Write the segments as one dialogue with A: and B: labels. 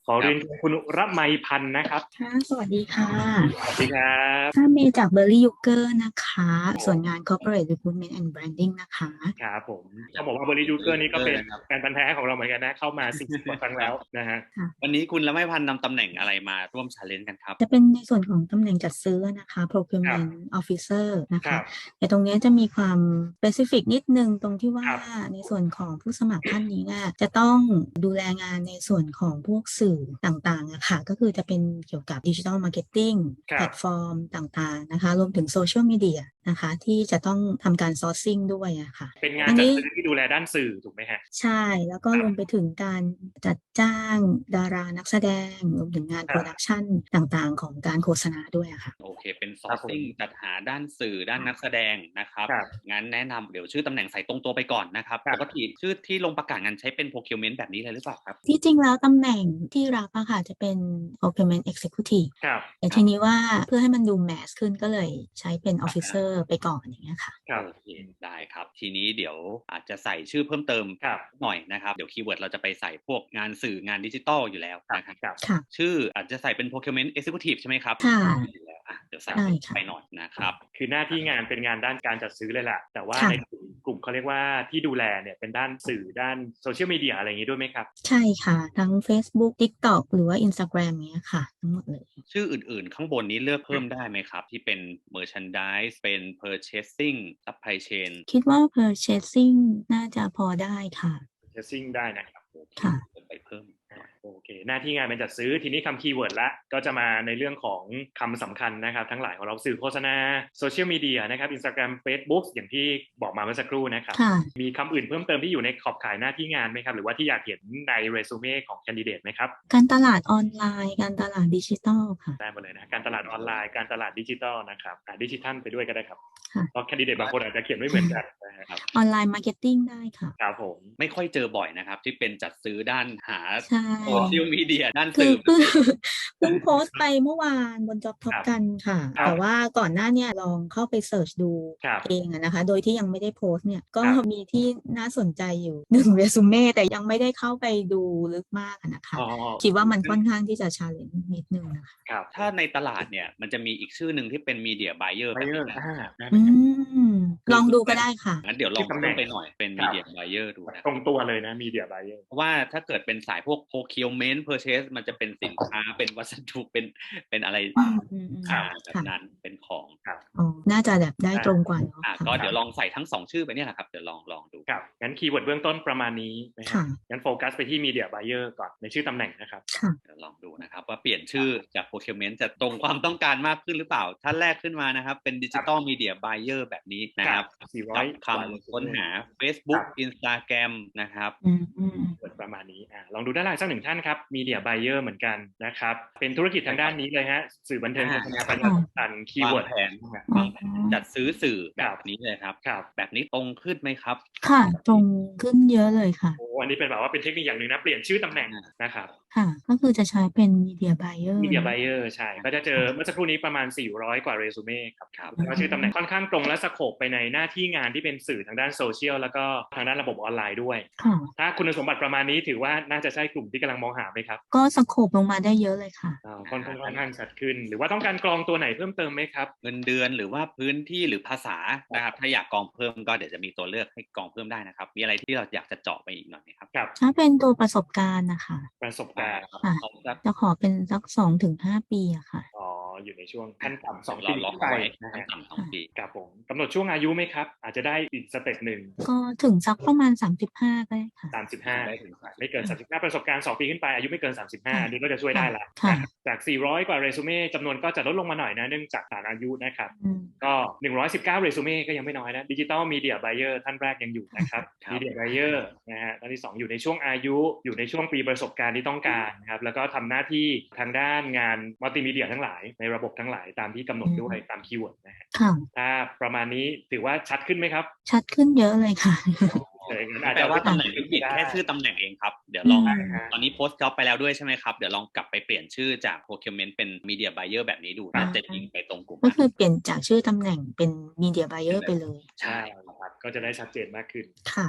A: ขอ
B: ครับ
A: เรียนเชิญคุณรมัยพันธ์นะครับ
C: ค่ะสวัสดีค่ะ
A: สวัสดีครับ
C: ค่ะเมย์จาก Berry Yuger นะคะส่วนงาน
A: ผม
C: Corporate Recruitment and Branding นะคะ
A: ครับผม
B: จาก
A: ต้องบอกว่าบริจู
B: เบอ
A: เกอร์นี่ก็เป็น
B: ร์นะครับ
A: แฟนพันธุ์แท้ของเราเหมือนกันนะเข้ามา40กว่าครั้ง
B: ครับ
A: แล้วนะฮะ
B: วันนี้คุณละไมพันธ์นำตำแหน่งอะไรมาร่วม challenge กันครับ
C: จะเป็นในส่วนของตำแหน่งจัดซื้อนะคะ
A: ครับ
C: Procurement Officer นะคะ
A: ครับ
C: แต่ตรงนี้จะมีความ specific นิดนึงตรงที่
A: ค
C: ว่า
A: รับ
C: ในส่วนของผู้สมัครท่านนี้เนี่ยจะต้องดูแลงานในส่วนของพวกสื่อต่างๆอะค่ะก็คือจะเป็นเกี่ยวกับ Digital Marketing แพล
A: ครับ
C: ตฟอร์มต่างๆนะคะรวมถึงโซเชียลมีเดียนะคะที่จะต้องทำการ sourcing ด้วยอะค่ะ
A: เป็นงาน
C: อันนี้
A: จัดซื้อที่ดูแลด้านสื่อถูกไหมฮะ
C: ใช่แล้วก็
A: ครับ
C: รวมไปถึงการจัดจ้างดารานักแสดงรวมถึงงานโปรดัก
A: ครับ
C: ชันต่างๆของการโฆษณาด้วยอะค่ะ
B: โอเคเป็น
A: ครับผม
B: sourcing จัดหาด้านสื่อด้านนักแสดงนะครับ
A: ครับ
B: งั้นแนะนำเดี๋ยวชื่อตำแหน่งใส่ตรงตัวไปก่อนนะครับ
A: ครับ
B: ปกติชื่อที่ลงประกาศงานใช้เป็น procurement แบบนี้เลยหรือเปล่าครับ
C: ที่จริงแล้วตำแหน่งที่รับอะค่ะจะเป็น Procurement Executive
A: ครับ
C: แต่ทีนี้ว่าเพื่อให้มันดูแมสขึ้นก็เลยใช้เป็น Officer ไปก่อนอย่างเงี้ยค่ะ
A: ครับ
B: โอเคได้ครับทีนี้เดี๋ยวอาจจะใส่ชื่อเพิ่มเติม
A: ครับ
B: หน่อยนะครับเดี๋ยวคีย์เวิร์ดเราจะไปใส่พวกงานสื่องานดิจิตอลอยู่แล้ว
A: ครับ
B: นะครับ
A: ครับ
C: ค่ะ
B: ชื่ออาจจะใส่เป็น procurement executive ใช่ไหมครับ
C: ค่ะ
B: อยู่แล้วเดี๋ยวใส่
C: ใช่ค่ะ
B: ไปหน่อยนะครับ
A: คือหน้าที่งานเป็นงานด้านการจัดซื้อเลยแหละแต่ว่า
C: ค่ะ
A: ในกลุ่มเขาเรียกว่าที่ดูแลเนี่ยเป็นด้านสื่อด้านโซเชียลมีเดียอะไรอย่างนี้ด้วยไหมครับ
C: ใช่ค่ะทั้ง Facebook TikTok หรือว่า Instagram เนี้ยค่ะทั้งหมดเลย
B: ชื่ออื่นๆข้างบนนี้เลือกเพิ่มได้ไหมครับที่เป็น merchandise เป็น purchasing supply chain
C: คิดว่า purchasing น่าจะพอได้ค่ะ
A: จะซิ่งได้นะครับ
B: โอเค
C: ค่ะ
B: ไปเพิ่มหน่อย
A: โอเคหน้าที่งานเป็นจัดซื้อทีนี้คำคีย์เวิร์ดละก็จะมาในเรื่องของคำสำคัญนะครับทั้งหลายของเราสื่อโฆษณาโซเชียลมีเดียนะครับ Instagram Facebook อย่างที่บอกมาเมื่อสักครู่นะครับ
C: ค่ะ
A: มีคำอื่นเพิ่มเติมที่อยู่ในขอบข่ายหน้าที่งานไหมครับหรือว่าที่อยากเห็นในเรซูเม่ของแคนดิเดตไหมครับ
C: การตลาดออนไลน์การตลาดดิจิทัลค่ะ
A: ได้หมดเลยนะการตลาดออนไลน์การตลาดดิจิทัลนะครับดิจิทัลไปด้วยก็ได้ครับ
C: ค่ะ
A: เพราะแคนดิเดตบางคนอาจจะเขียนไม่เหมือนกันนะครับ
C: ออนไลน์มาร์เก็ตติ้งได้ค่ะ
A: ครับผม
B: ไม่ค่อยเจอบ่อยนะครับที่เป็นจัดซื้อด้านหา
C: ใช่
B: โซเชียลมีเดียด้าน
C: คือ
B: สื่อ
C: เพิ่งโพสต์ไปเมื่อวานบน Job
A: ค
C: Top
A: รับ
C: กันค่ะ
A: ครับ
C: แต่ว่าก่อนหน้าเนี่ยลองเข้าไปเสิร์ชดู
A: ครับ
C: เองอะนะคะ โดยที่ยังไม่ได้โพสต์เนี่ย ก็
A: ครับ
C: มีที่น่าสนใจอยู่หนึ่งเรซูเม่แต่ยังไม่ได้เข้าไปดูลึกมากอะนะคะ
A: อ๋อ
C: คิดว่ามันค่อนข้างที่จะชาเลนจ์นิดนึงนะคะ
A: ครับ
B: ถ้าในตลาดเนี่ยมันจะมีอีกชื่อหนึ่งที่เป็น media buyer
A: ไบ
B: แบบ
A: เออร์
B: นี้นะครับ
A: ได้ไหม
C: อื
A: ครับ
C: มลองดูก็ได้ค่ะ
B: งั้นเดี๋ยวลอง
A: ที่ตำแหน่ง
B: เพิ่มไปหน่อยเป็น
A: ครับ
B: media buyer ดูนะ
A: ตรงตัวเลยนะมีเดียไบเออร์
B: เพราะว่าถ้าเกิดเป็นสายพวก procurement purchase มันจะเป็นสินค้าเป็นวัสดุเป็นอะไรแบบ
C: ค่ะ
B: นั้นเป็นของ
C: อ๋อน่าจะแบบได้ตรงกว่าเนาะ
B: ก็เดี๋ยวลองใส่ทั้ง2ชื่อไปเนี่ยแหละครับเดี๋ยวลองดู
A: ครับงั้นคีย์เวิร์ดเบื้องต้นประมาณนี้นะครั
C: ค่ะ
A: บงั้นโฟกัสไปที่มีเดียไบเออร์ก่อนในชื่อตำแหน่งนะครับ
C: ค่ะ
B: เดี๋ยวลองดูนะครับว่าเปลี่ยนชื่อจาก procurement จะตรงความต้องการมากขึ้นหรือเปล่าท่านแรกขึ้นมานะครับเป็น digital media buyer แบบนี้นะครับกับคำค้นหา Facebook Instagram นะครับ
A: เปิดประมาณนี้ลองดูด้านล่างสักหนึ่งท่านครับมีเดียไบเออร์เหมือนกันนะครับเป็นธุรกิจทางด้านนี้เลยฮะสื่อบันเทิงโฆษณาประชาสัมพันธ์คีย์
B: วาง
A: เวิร์ด
B: แผนจัดซื้อสื่อแบบนี้เลยครับแบบนี้ตรงขึ้นไหมครับ
C: ค่ะตรงขึ้นเยอะเลยค่ะ
A: โอ้อันนี้เป็นแบบว่าเป็นเทคนิคอย่างหนึ่งนะเปลี่ยนชื่อตำแหน่งนะครับ
C: ค่ะก็คือจะใช้เป็น media buyer
A: มีเดียไบเออร์ใช่ก็จะเจอเมื่อสักครู่นี้ประมาณ400กว่าเรซูเม่ครับแล้วชื่อตำแหน่งค่อนข้างตรงและสโคปไปในหน้าที่งานที่เป็นสื่อทางด้านโซเชียลแล้วก็ทางด้านระบบออนไลน์ด้วยถ้าคุณสมบัติประมาณนี้ถือว่าน่าจะใช่กลุ่มที่กำลังมองหาไหมครับ
C: ก็สโคปลงมาได้เยอะเลยค่ะ
A: ค่อนข้างชัดขึ้นหรือว่าต้องการกรองตัวไหนเพิ่มเติมไหมครับ
B: เงินเดือนหรือว่าพื้นที่หรือภาษานะครับถ้าอยากกรองเพิ่มก็เดี๋ยวจะมีตัวเลือกให้กรองเพิ่มได้นะครับมีอะไรที่เราอยากจะเจาะไปอีกหน่อยไหมครับ
C: ถ้าเป็นตัวประสบการณ์นะคะ
A: ประสบการณ์
C: ค่ะจะขอเป็นสัก2 ถึง 5 ปีอะค่ะ
A: อยู่ในช่วงขั้นต่ำ2 ปี
B: ล็อกไว้ขั้นต่ำ2 ปี
A: ครับผมกำหนดช่วงอายุไหมครับอาจจะได้อีกสเต็ปหนึ่ง
C: ก็ถึงสักประมาณ35ก็ได้ค่ะ
A: 35ไม่เกิน35ประสบการณ์2 ปีขึ้นไปอายุไม่เกิน35อันนี้ก็จะช่วยได้ละจาก400กว่าเรซูเม่จำนวนก็จะลดลงมาหน่อยนะเนื่องจากฐานอายุนะครับก็119เรซูเม่ก็ยังไม่น้อยนะดิจิตอลมีเดียไบเออร์ท่านแรกยังอยู่นะครับมีเดียไบเออร์นะฮะท่านที่2อยู่ในช่วงอายุอยู่ในช่วงปีประสบการณ์ที่ต้องการนะครับแล้วก็ทำหน้าที่ทางด้านงานมัลติมีเดียทั้งหลายในระบบทั้งหลายตามที่กำหนดด้วยตามคีย์เวิร์ดนะฮะถ้าประมาณนี้ถือว่าชัดขึ้นไหมครับ
C: ชัดขึ้นเยอะเลยค่ะ
B: แปลว่าตำแหน่งผิดแค่ชื่อตำแหน่งเองครับเดี๋ยวลองตอนนี้โพสต์จ็อบไปแล้วด้วยใช่ไหมครับเดี๋ยวลองกลับไปเปลี่ยนชื่อจาก procurement เป็น media buyer แบบนี้ดูน่าจะยิงไปตรงกลุ่ม
C: ก็คือเปลี่ยนจากชื่อตำแหน่งเป็น media buyer ไปเลย
A: ใช่ครับก็จะได้ชัดเจนมากขึ้น
C: ค่ะ
A: นะครับ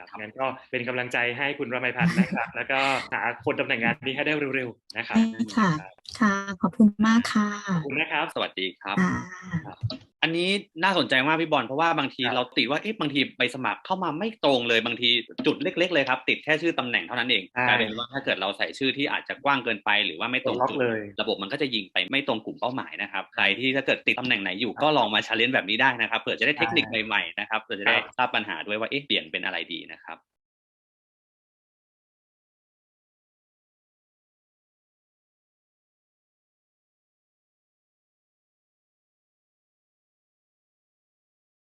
A: งั้นก็เป็นกำลังใจให้คุณรมัยพันธ์นะครับแล้วก็หาคนตำแหน่งงานนี้ให้ได้เร็วๆนะครับ
C: ค่ะค่ะขอบคุณมากค่ะ
A: ขอบคุณนะครับ
B: สวัสดีครับอันนี้น่าสนใจมากพี่บอลเพราะว่าบางทีเราติดว่าบางทีใบสมัครเข้ามาไม่ตรงเลยบางทีจุดเล็กๆเลยครับติดแค่ชื่อตำแหน่งเท่านั้นเองกลายเป็นว่าถ้าเกิดเราใส่ชื่อที่อาจจะกว้างเกินไปหรือว่าไม่ตรงจุดระบบมันก็จะยิงไปไม่ตรงกลุ่มเป้าหมายนะครับใครที่ถ้าเกิดติดตำแหน่งไหนอยู่ก็ลองมา challenge แบบนี้ได้นะครับเผื่อจะได้เทคนิคใหม่ๆนะครับเผื่อจะได้ทราบปัญหาด้วยว่าเปลี่ยนเป็นอะไรดีนะครับ